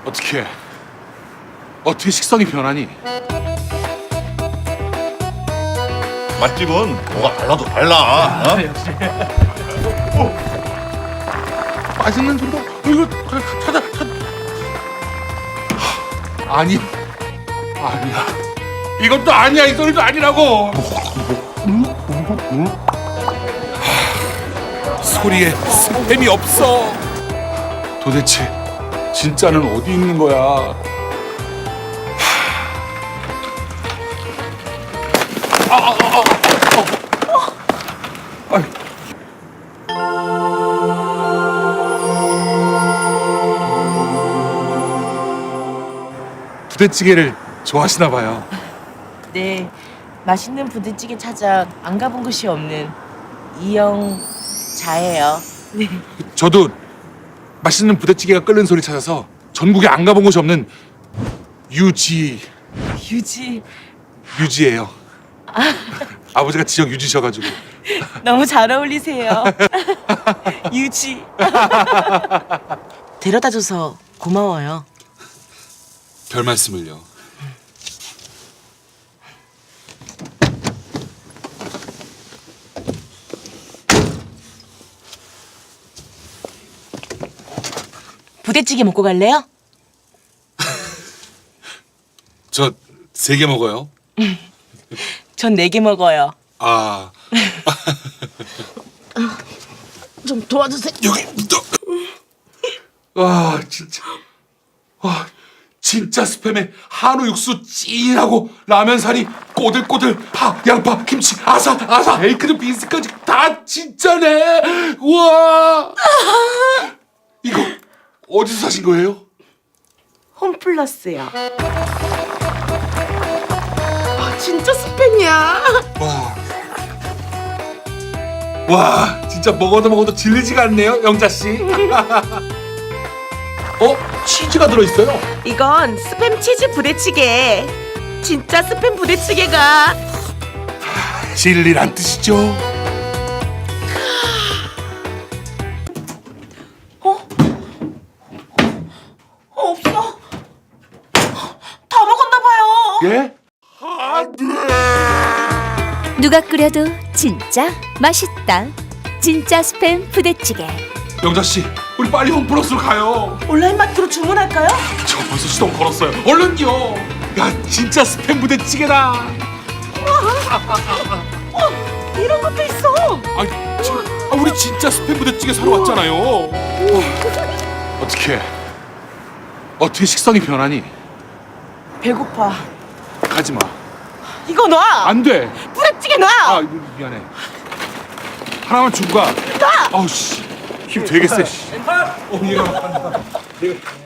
어떻게 식성이 변하니? 맛집은 뭐가 달라도 달라. 맛있는 소리가 이거 찾아. 아니야. 이것도 아니야. 이 소리도 아니라고. 소리에 스팸이 없어. 도대체 진짜는 어디 있는 거야? 부대찌개를 좋아하시나 봐요. 네, 맛있는 부대찌개 찾아 안 가본 곳이 없는 이영자예요. 네. 저도 맛있는 부대찌개가 끓는 소리 찾아서 전국에 안 가본 곳이 없는 유지예요. 아버지가 지역 유지셔가지고. 너무 잘 어울리세요. 유지. 데려다줘서 고마워요. 별 말씀을요. 부대찌개 먹고 갈래요? 저 3개 먹어요. 전 4개 먹어요. 아, 좀 도와주세요. 여기 와, 진짜 스팸에 한우 육수 찐하고 라면 사리 꼬들꼬들 양파 김치 아사 에이크드 빈스까지 다 진짜네. 우와. 이거 어디서 사신 거예요? 홈플러스요. 진짜 스팸이야. 와, 진짜 먹어도 질리지가 않네요, 영자 씨. 치즈가 들어있어요. 이건 스팸 치즈 부대찌개. 진짜 스팸 부대찌개가. 진리란 뜻이죠. 없어. 다 먹었나 봐요. 예? 누가 끓여도 진짜 맛있다. 진짜 스팸 부대찌개. 영자 씨, 우리 빨리 홈플러스로 가요. 온라인 마트로 주문할까요? 저 벌써 시동 걸었어요. 얼른요. 야, 진짜 스팸 부대찌개다. 이런 것도 있어. 우리 진짜 스팸 부대찌개 사러 왔잖아요. 어떻게 식성이 변하니? 배고파. 가지 마. 이거 놔. 안 돼. 부대찌개 놔. 미안해. 하나만 주고 가. 놔. 아우 씨. 힘 되게 세. 씨. 얘가